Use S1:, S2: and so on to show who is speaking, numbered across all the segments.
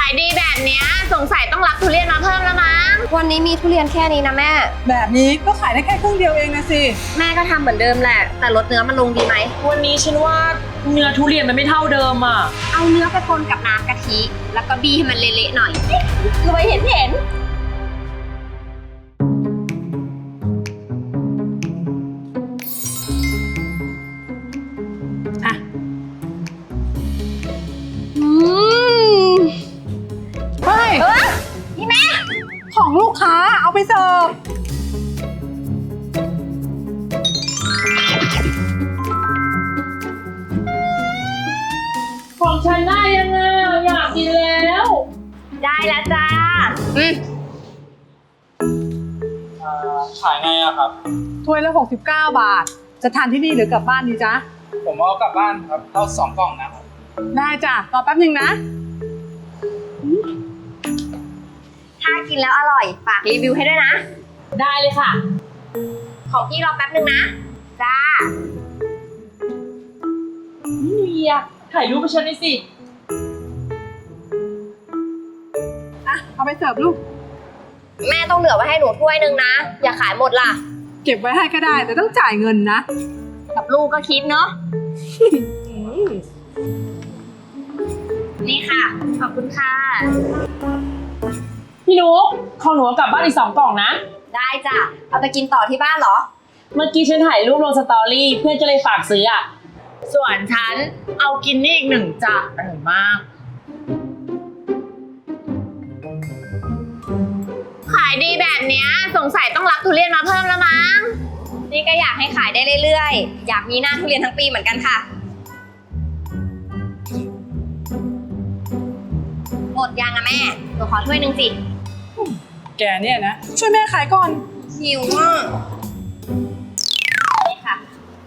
S1: ายดีแบบเนี้ยสงสัยต้องรับทุเรียนมาเพิ่มแล้วมั้งวันนี้มีทุเรียนแค่นี้นะแม่
S2: แบบนี้ก็ขายได้แค่ครึ่งเดียวเองนะสิ
S1: แม่ก็ทำเหมือนเดิมแหละแต่ลดเนื้อมันลงดีไหม
S3: วันนี้ฉันว่าเนื้อทุเรียนมันไม่เท่าเดิมอ่ะ
S1: เอาเนื้อไปคนกับน้ำกะทิแล้วก็บี้ให้มันเละๆหน่อยรวยเห็น
S2: อ่ะเฮ้ย
S1: นี่แม่
S2: ของลูกค้าเอาไปเสิร์ฟ
S3: ของฉันได้ยังไงอยากกินแล้ว
S1: ได้แล้วจ้า
S4: ขายไงอะครับ
S2: ถ้วยละ69 บาทจะทานที่นี่หรือกลับบ้านดีจ๊ะ
S4: ผมเอากลับบ้านครับเอา2 กล่องนะครับ
S2: ได้จ้ะรอแป๊บนึงนะ
S1: ถ้ากินแล้วอร่อยฝากรีวิวให้ด้วยนะ
S3: ได้เลยค่ะ
S1: ของพี่รอแป๊บนึงนะจ้า
S3: นี่เฮียถ่ายรูปให้ฉันหน่อยสิ
S2: อ่ะเอาไปเสิร์ฟลูก
S1: แม่ต้องเหลือไว้ให้หนูถ้วยนึงนะอย่าขายหมดล่ะ
S2: เก็บไว้ให้ก็ได้แต่ต้องจ่ายเงินนะ
S1: กับลูกก็คิดเนาะ นี่ค่ะขอบคุณค่ะ
S3: พี่นุ๊กของหนูกลับบ้านอีก2 กล่องนะ
S1: ได้จ้ะเอาไปกินต่อที่บ้านเหรอ
S3: เมื่อกี้ฉันถ่ายรูปลงสตอรี่เพื่อนก็เลยฝากซื้ออ่ะ
S5: ส่วนฉันเอากินนี่อีก1จ้ะอร่อยมากขายดีแบบเนี้ยสงสัยต้องรับทุเรียนมาเพิ่มแล้วมั้ง
S1: นี่ก็อยากให้ขายได้เรื่อยๆอยากมีหน้าทุเรียนทั้งปีเหมือนกันค่ะหมดยังอะแม่หนูขอถ้วยนึงสิ
S2: แกเนี่ยนะช่วยแม่ขายก่อน
S1: หิวอ่ะนี่ค่ะ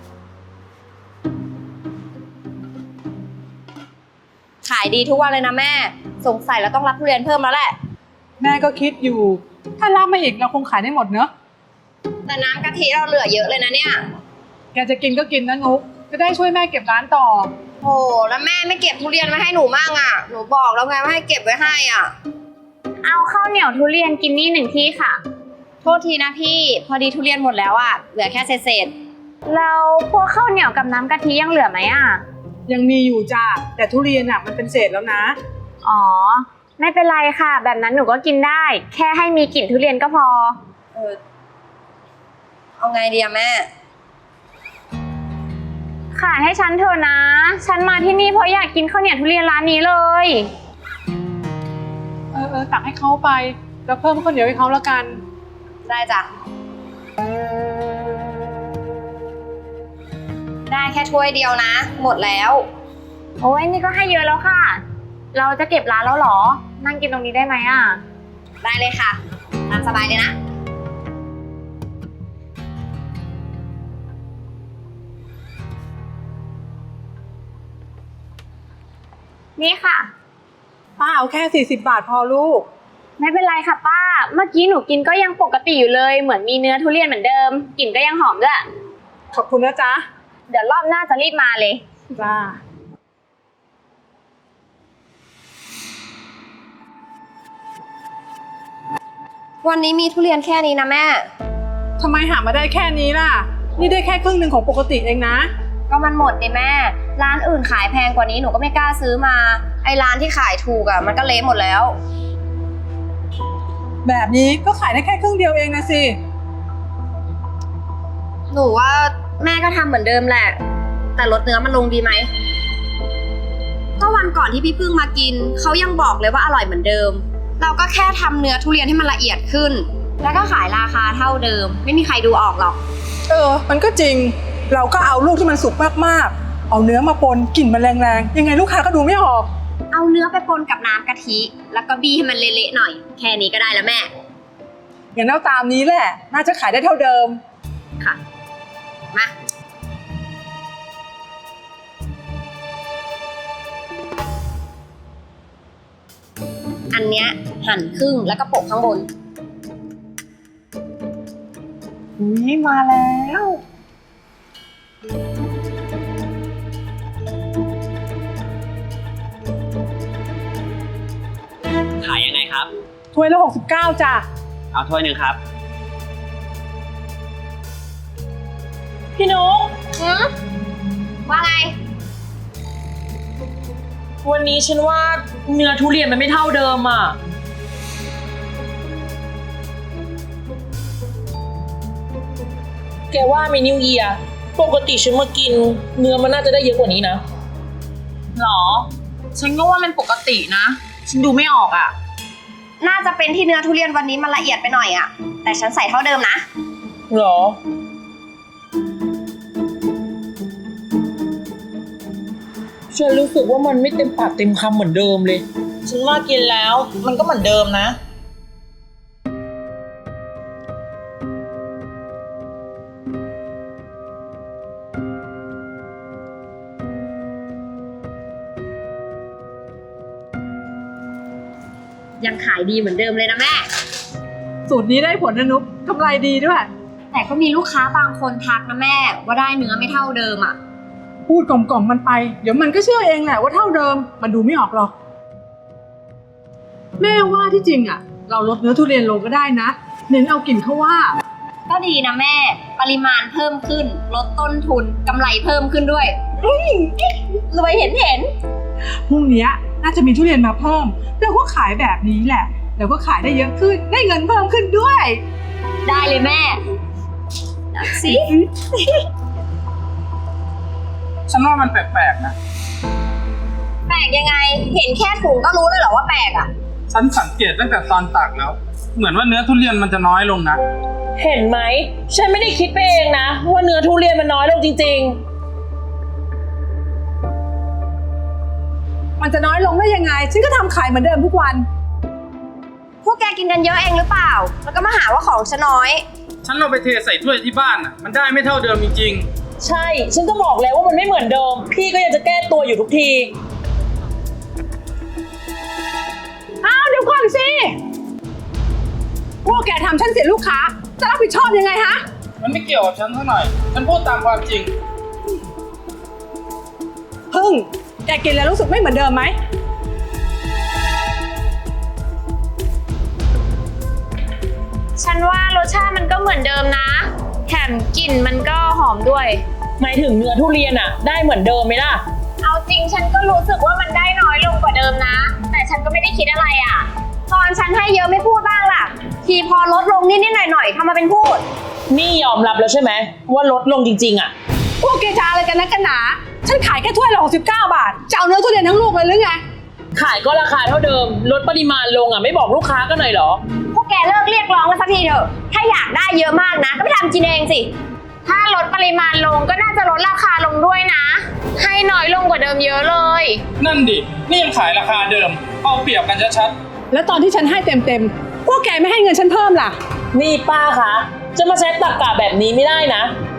S1: ขายดีทุกวันเลยนะแม่สงสัยเราต้องรับทุเรียนเพิ่มแล้วแหละ
S2: แม่ก็คิดอยู่ถ้ารับมาอีกเราคงขายได้หมดเนอะ
S1: แต่น้ำกะทิเราเหลือเยอะเลยนะเนี่ย
S2: แกจะกินก็กินนะนุ๊กจะได้ช่วยแม่เก็บร้านต่อ
S1: โอ้แล้วแม่ไม่เก็บทุเรียนไว้ให้หนูมั่งอ่ะหนูบอกแล้วไงว่าให้เก็บไว้ให้อ่ะเอาข้าวเหนียวทุเรียนกินนี่1ที่ค่ะโทษทีนะพี่พอดีทุเรียนหมดแล้วอ่ะเหลือแค่เศษแล้วพวกข้าวเหนียวกับน้ำกะทิยังเหลือไหมอ่ะ
S2: ยังมีอยู่จ้ะแต่ทุเรียนอ่ะมันเป็นเศษแล้วนะ
S1: อ๋อไม่เป็นไรค่ะแบบนั้นหนูก็กินได้แค่ให้มีกลิ่นทุเรียนก็พอเอาไงดีอะแม่ขายให้ฉันเถอะนะฉันมาที่นี่เพราะอยากกินข้าวเหนียวทุเรียนร้านนี้เลย
S2: ตักให้เขาไปแล้วเพิ่มข้าวเหนียวให้เขาแล้วกัน
S1: ได้จ้ะได้แค่ถ้วยเดียวนะหมดแล้วโอ้ยนี่ก็ให้เยอะแล้วค่ะเราจะเก็บร้านแล้วเหรอนั่งกินตรงนี้ได้ไหมอ่ะได้เลยค่ะตามสบายเลยนะนี่ค่ะ
S2: ป้าเอาแค่40 บาทพอลูก
S1: ไม่เป็นไรค่ะป้าเมื่อกี้หนูกินก็ยังปกติอยู่เลยเหมือนมีเนื้อทุเรียนเหมือนเดิมกลิ่นก็ยังหอมด้วย
S2: ขอบคุณนะจ๊ะ
S1: เดี๋ยวรอบหน้าจะรีบมาเลย
S2: จ้า
S1: วันนี้มีทุเรียนแค่นี้นะแม่
S2: ทำไมหามาได้แค่นี้ล่ะนี่ได้แค่ครึ่งหนึ่งของปกติเองนะ
S1: ก็มันหมดนี่แม่ร้านอื่นขายแพงกว่านี้หนูก็ไม่กล้าซื้อมาไอ้ร้านที่ขายถูกอ่ะมันก็เละหมดแล้ว
S2: แบบนี้ก็ขายได้แค่ครึ่งเดียวเองนะสิ
S1: หนูว่าแม่ก็ทำเหมือนเดิมแหละแต่ลดเนื้อมันลงดีไหมก็วันก่อนที่พี่พึ่งมากินเขายังบอกเลยว่าอร่อยเหมือนเดิมเราก็แค่ทำเนื้อทุเรียนให้มันละเอียดขึ้นแล้วก็ขายราคาเท่าเดิมไม่มีใครดูออกหรอก
S2: มันก็จริงเราก็เอาลูกที่มันสุกมากๆเอาเนื้อมาปนกลิ่นมันแรงๆยังไงลูกค้าก็ดูไม่ออก
S1: เอาเนื้อไปปนกับน้ำกะทิแล้วก็บี้ให้มันเละๆหน่อยแค่นี้ก็ได้แล้วแม่
S2: อย่างนั้นตามนี้แหละน่าจะขายได้เท่าเดิม
S1: ค่ะมาอันเนี้ยหั่นครึ่งแล้วก็โปะข้างบน
S2: นี่มาแล้ว
S3: ครับ
S2: ถ้วยละ69จ้ะ
S3: เอาถ้วยหนึ่งครับ พี่นุ๊ก
S1: ว่าไง
S3: วันนี้ฉันว่าเนื้อทุเรียนมันไม่เท่าเดิมอ่ะ แกว่าไหมนิวเยียร์ปกติฉันมากิน เนื้อมันน่าจะได้เยอะกว่านี้นะ
S5: หรอ ฉันก็ว่ามันปกตินะ ฉันดูไม่ออกอ่ะ
S1: น่าจะเป็นที่เนื้อทุเรียนวันนี้มันละเอียดไปหน่อยอะแต่ฉันใส่เท่าเดิมนะ
S3: หรอ ฉันรู้สึกว่ามันไม่เต็มปากเต็มคำเหมือนเดิมเลย
S6: ฉันว่ากินแล้วมันก็เหมือนเดิมนะ
S1: ยังขายดีเหมือนเดิมเลยนะแม่
S2: สูตรนี้ได้ผลนะนุ๊กกำไรดีด้วย
S1: แต่ก็มีลูกค้าบางคนทักนะแม่ ว่าได้เนื้อไม่เท่าเดิมอะ
S2: พูดกล่อมๆมันไป เดี๋ยวมันก็เชื่อเองแหละว่าเท่าเดิม มันดูไม่ออกหรอก แม่ว่าที่จริงอ่ะ เราลดเนื้อทุเรียนลงก็ได้นะ เน้นเอากลิ่นเขาว่า
S1: ก็ดีนะแม่ ปริมาณเพิ่มขึ้น ลดต้นทุนกำไรเพิ่มขึ้นด้วยรวยเห็น
S2: พรุ่งนี้น่าจะมีทุเรียนมาเพิ่มเราก็ขายแบบนี้แหละแล้วก็ขายได้เยอะขึ้น ได้เงินเพิ่มขึ้นด้วย
S1: ได้เลยแม่สิ
S4: ฉันว่ามันแปลกๆนะ
S1: แปลกยังไง เห็นแค่ถุงก็รู้เลยเหรอว่าแปลกอะ
S4: ฉันสังเกตตั้งแต่ตอนตักแล้ว เหมือนว่าเนื้อทุเรียนมันจะน้อยลงนะ
S3: เห็นไหม ฉันไม่ได้คิดไปเองนะ ว่าเนื้อทุเรียนมันน้อยลงจริง
S2: มันจะน้อยลงได้ยังไง ฉันก็ทำขายเหมือนเดิมทุกวัน
S1: พวกแกกินกันเยอะเองหรือเปล่า แล้วก็มาหาว่าของฉันน้อย
S4: ฉันเอาไปเทใส่ถ้วยที่บ้านอ่ะ มันได้ไม่เท่าเดิมจริง
S3: ๆ ใช่ ฉันก็บอกแล้วว่ามันไม่เหมือนเดิม พี่ก็ยังจะแก้ตัวอยู่ทุกที
S2: อ้าวเดี๋ยวก่อนสิ พวกแกทำฉันเสียลูกค้า จะรับผิดชอบยังไงฮะ
S4: ๆ มันไม่เกี่ยวกับฉันเท่าหน่อย ฉันพูดตามความจริง
S2: พึ่ง แกกินแล้วรู้สึกไม่เหมือนเดิมไหม
S5: ฉันว่ารสชาติมันก็เหมือนเดิมนะ แถมกลิ่นมันก็หอมด้วย
S3: หมายถึงเนื้อทุเรียนอะได้เหมือนเดิมไหมล่ะ
S5: เอาจริงฉันก็รู้สึกว่ามันได้น้อยลงกว่าเดิมนะ แต่ฉันก็ไม่ได้คิดอะไรอ่ะ
S1: ตอนฉันให้เยอะไม่พูดบ้างล่ะ ทีพอลดลงนิดๆหน่อยๆทำมาเป็นพูด
S3: นี่ยอมรับแล้วใช่ไหมว่าลดลงจริงๆอะ
S2: พวกแกจะอะไรกันนักกันหนา ฉันขายแค่ถ้วยละ69 บาท จะเอาเนื้อทุเรียนทั้งลูกเลยหรือไง
S3: ขายก็ราคาเท่าเดิม ลดปริมาณลงอะไม่บอกลูกค้ากันหน่อยเหรอ
S1: พวกแกเลิกเรียกร้องกันสักทีเถอะ ถ้าอยากได้เยอะมากนะ ก็ไปทำกินเองสิ
S5: ถ้าลดปริมาณลงก็น่าจะลดราคาลงด้วยนะ ให้น้อยลงกว่าเดิมเยอะเลย
S4: นั่นดิ นี่ยังขายราคาเดิม เอาเปรียบกันชัด
S2: แล้วตอนที่ฉันให้เต็มๆ พวกแกไม่ให้เงินฉันเพิ่มล่ะ
S3: นี่ป้าคะ จะมาใช้ตรรกะแบบนี้ไม่ได้นะ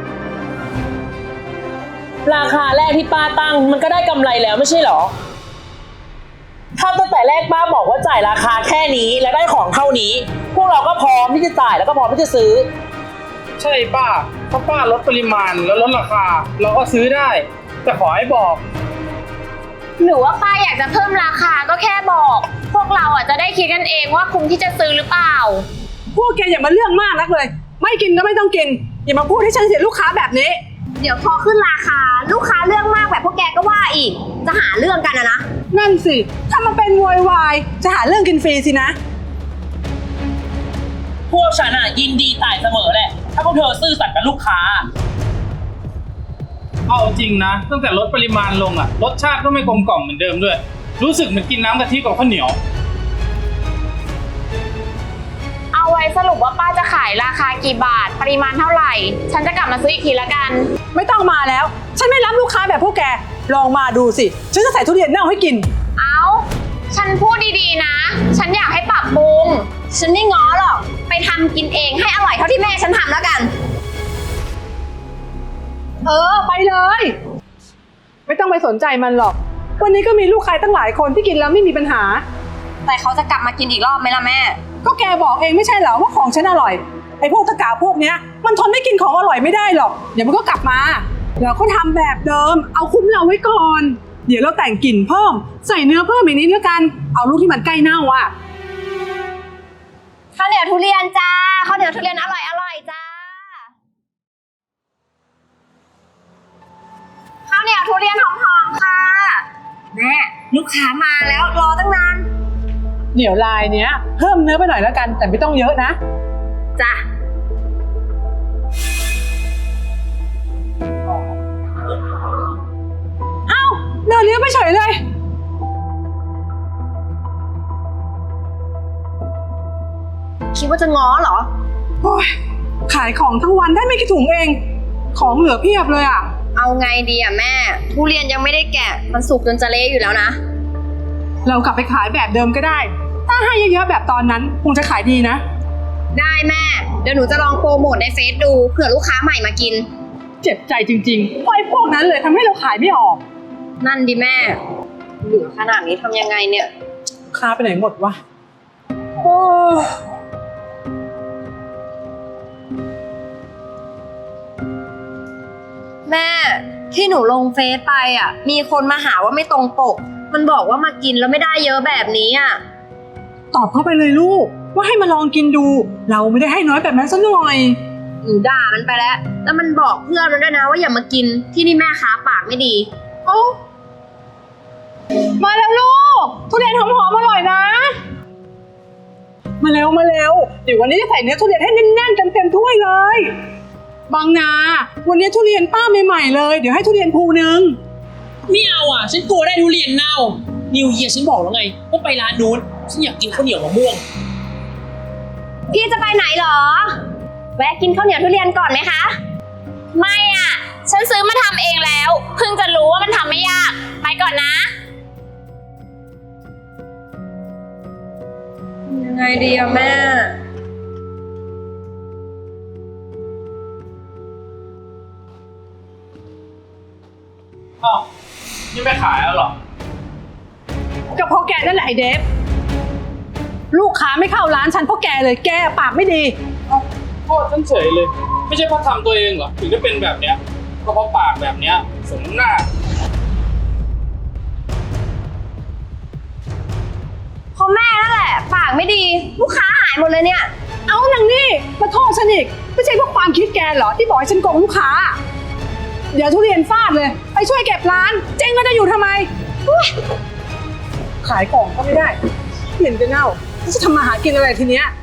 S3: ราคาแรกที่ป้าตั้งมันก็ได้กำไรแล้วไม่ใช่เหรอ ถ้าตั้งแต่แรกป้าบอกว่าจ่ายราคาแค่นี้และได้ของเท่านี้ พวกเราก็พร้อมที่จะจ่ายแล้วก็พร้อมที่จะซื้อ
S4: ๆ ใช่ป้า ถ้าป้าลดปริมาณแล้วลดราคา เราก็ซื้อได้ แต่ขอให้บอก
S5: หรือว่าป้าอยากจะเพิ่มราคาก็แค่บอก พวกเราอ่ะจะได้คิดกันเองว่าคุ้มที่จะซื้อหรือเปล่า
S2: พวกแกอย่ามาเรื่องมากนักเลย ไม่กินก็ไม่ต้องกิน อย่ามาพูดให้ฉันเสียลูกค้าแบบนี้
S1: เดี๋ยวพอขึ้นราคาลูกค้าเรื่องมากแบบพวกแกก็ว่าอีก จะหาเรื่องกันนะ
S2: นั่นสิ ถ้ามันเป็นโวยวายจะหาเรื่องกินฟรีสินะ
S3: พวกฉันอ่ะยินดีจ่ายเสมอแหละ ถ้าพวกเธอซื่อสัตย์กับลูกค้า
S4: เอาจริงนะ ตั้งแต่ลดปริมาณลงอ่ะ รสชาติก็ไม่กลมกล่อมเหมือนเดิมด้วย รู้สึกเหมือนกินน้ำกะทิกับข้าวเหนียว
S5: เอาไว้สรุปว่าป้าจะขายราคากี่บาท ปริมาณเท่าไหร่ ฉันจะกลับมาซื้ออีกทีละกัน
S2: ไม่ต้องมาแล้ว ฉันไม่รับลูกค้าแบบพวกแก ลองมาดูสิ ฉันจะใส่ทุเรียนเน่าให้กิน
S5: เอาฉันพูดดีๆนะ ฉันอยากให้ปรับปรุง
S1: ฉันไม่ง้อหรอก ไปทำกินเองให้อร่อยเท่าที่แม่ฉันทำแล้วกัน
S2: ไปเลย ไม่ต้องไปสนใจมันหรอก วันนี้ก็มีลูกค้าตั้งหลายคนที่กินแล้วไม่มีปัญหา
S1: แต่เขาจะกลับมากินอีกรอบไหมล่ะแม่
S2: ก็แกบอกเองไม่ใช่เหรอว่าของฉันอร่อย ไอ้พวกตะกาพวกเนี้ยมันทนไม่กินของอร่อยไม่ได้หรอก เดี๋ยวมันก็กลับมา แล้วก็ทำแบบเดิม เอาคุ้มเราไว้ก่อน เดี๋ยวเราแต่งกลิ่นเพิ่ม ใส่เนื้อเพิ่มอีกนิดแล้วกัน เอาลูกที่มันใกล้เน่าอ่ะ
S1: ข้าวเหนียวทุเรียนจ้าข้าวเหนียวทุเรียนอร่อยจ้าข้าวเหนียวทุเรียนหอมๆค่ะแม่ลูกค้ามาแล้วรอตั้งนาน
S2: เดี๋ยวลายเนี้ยเพิ่มเนื้อไปหน่อยแล้วกัน แต่ไม่ต้องเยอะนะ
S1: จ้ะ
S2: เดินเลี้ยงไปเฉยเลย
S1: คิดว่าจะง้อเหรอ
S2: โอ้ยขายของทั้งวันได้ไม่กี่ถุงเอง ของเหลือเพียบเลยอ่ะ
S1: เอาไงดีอะแม่ ทุเรียนยังไม่ได้แกะมันสุกจนจะเละอยู่แล้วนะ
S2: เรากลับไปขายแบบเดิมก็ได้ ถ้าให้เยอะๆแบบตอนนั้นคงจะขายดีนะ
S1: ได้แม่ เดี๋ยวหนูจะลองโปรโมทในเฟซดูเผื่อลูกค้าใหม่มากิน
S2: เจ็บใจจริงๆเพราะไอ้พวกนั้นเลยทำให้เราขายไม่ออก
S1: นั่นดิแม่ เหลือขนาดนี้ทำยังไงเนี่ย
S2: ค้าไปไหนหมดวะโอ้
S1: แม่ที่หนูลงเฟซไปอ่ะ มีคนมาหาว่าไม่ตรงปก มันบอกว่ามากินแล้วไม่ได้เยอะแบบนี้อ่ะ
S2: ตอบเข้าไปเลยลูก ว่าให้มาลองกินดู เราไม่ได้ให้น้อยแบบนั้นซะหน่อย
S1: หนูด่ามันไปแล้ว แล้วมันบอกเพื่อนมันด้วยนะว่าอย่ามากินที่นี่แม่ค้าปากไม่ดี
S2: โอ้มาแล้วลูก ทุเรียนหอมๆอร่อยนะ มาเร็วมาเร็ว เดี๋ยววันนี้จะใส่เนื้อทุเรียนให้แน่นๆเต็มๆถ้วยเลย บางนา วันนี้ทุเรียนป้าใหม่ๆเลย เดี๋ยวให้ทุเรียนภูนึง
S3: ไม่เอาอ่ะ ฉันกลัวได้ทุเรียนเน่า นิวเยียฉันบอกแล้วไงว่าไปร้านนู้น ฉันอยากกินข้าวเหนียวมะม่วง
S1: พี่จะไปไหนเหรอ แวะกินข้าวเหนียวทุเรียนก่อนไหมคะ
S5: ไม่อ่ะ ฉันซื้อมาทำเองแล้ว เพิ่งจะรู้ว่ามันทำไม่ยาก ไปก่อนนะ
S1: ยังไงดีอะแม่
S4: อ้าวนี่ไม่ขายแล้วเหรอ
S2: ก็เพราะแกนั่นแหละไอเดฟ ลูกค้าไม่เข้าร้านฉันเพราะแกเลยแกปากไม่ดี
S4: โทษฉันเฉยเลย ไม่ใช่เพราะทำตัวเองเหรอถึงได้เป็นแบบเนี้ยก็เพราะปากแบบเนี้ยสมหน้า
S1: เพราะแม่นั่นแหละ ปากไม่ดี ลูกค้าหายหมดเลยเนี่ย
S2: เอานางนี่มาโทษฉันอีกไม่ใช่เพราะความคิดแกเหรอที่บอกให้ฉันโกงลูกค้า เดี๋ยวทุเรียนฟาดเลย ไปช่วยเก็บร้าน เจ๊งแล้วจะอยู่ทำไมอุ๊ยขายของก็ไม่ได้เหม็นจะเน่าจะทำมาหากินอะไรทีเนี้ย